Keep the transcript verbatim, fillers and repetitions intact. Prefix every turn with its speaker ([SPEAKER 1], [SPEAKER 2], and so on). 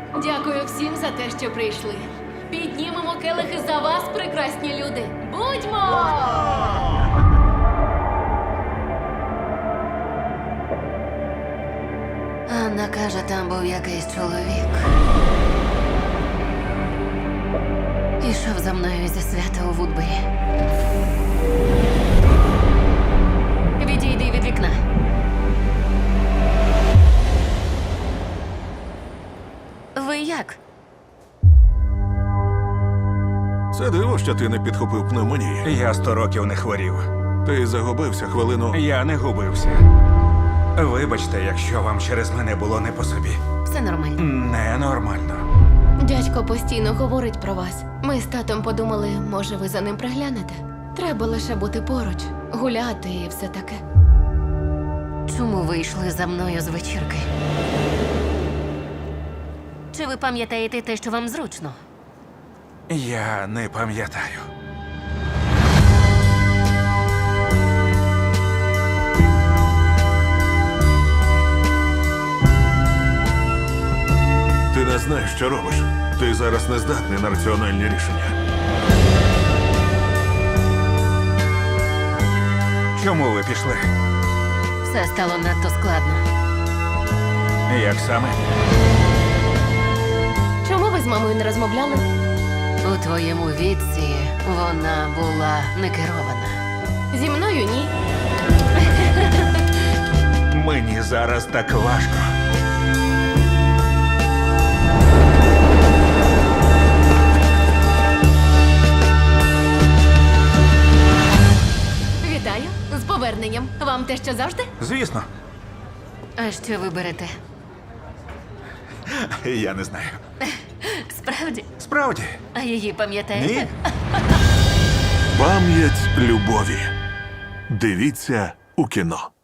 [SPEAKER 1] Дякую всім за те, що прийшли. Піднімемо келихи за вас, прекрасні люди. Будьмо!
[SPEAKER 2] Анна каже, там був якийсь чоловік. Ішов за мною зі свята у Вудбері. Відійди від вікна. Ви як?
[SPEAKER 3] Це диво, що ти не підхопив пневмонії.
[SPEAKER 4] Я сто років не хворів.
[SPEAKER 3] Ти загубився хвилину.
[SPEAKER 4] Я не губився. Вибачте, якщо вам через мене було не по собі.
[SPEAKER 2] Все нормально.
[SPEAKER 4] Ненормально.
[SPEAKER 1] Дядько постійно говорить про вас. Ми з татом подумали, може, ви за ним приглянете. Треба лише бути поруч, гуляти і все таке.
[SPEAKER 2] Чому ви йшли за мною з вечірки? Чи ви пам'ятаєте те, що вам зручно?
[SPEAKER 4] Я не пам'ятаю.
[SPEAKER 3] Ти не знаєш, що робиш. Ти зараз не здатний на раціональні рішення.
[SPEAKER 4] Чому ви пішли?
[SPEAKER 2] Все стало надто складно.
[SPEAKER 4] Як саме?
[SPEAKER 1] Чому ви з мамою не розмовляли?
[SPEAKER 2] У твоєму віці вона була не керована.
[SPEAKER 1] Зі мною ні.
[SPEAKER 4] Мені зараз так важко.
[SPEAKER 1] Вітаю з поверненням. Вам те, що завжди?
[SPEAKER 4] Звісно.
[SPEAKER 2] А що ви берете?
[SPEAKER 4] Я не знаю.
[SPEAKER 2] Справді?
[SPEAKER 4] Справді?
[SPEAKER 2] А її пам'ятаєте?
[SPEAKER 4] Ні?
[SPEAKER 3] Пам'ять любові. Дивіться у кіно.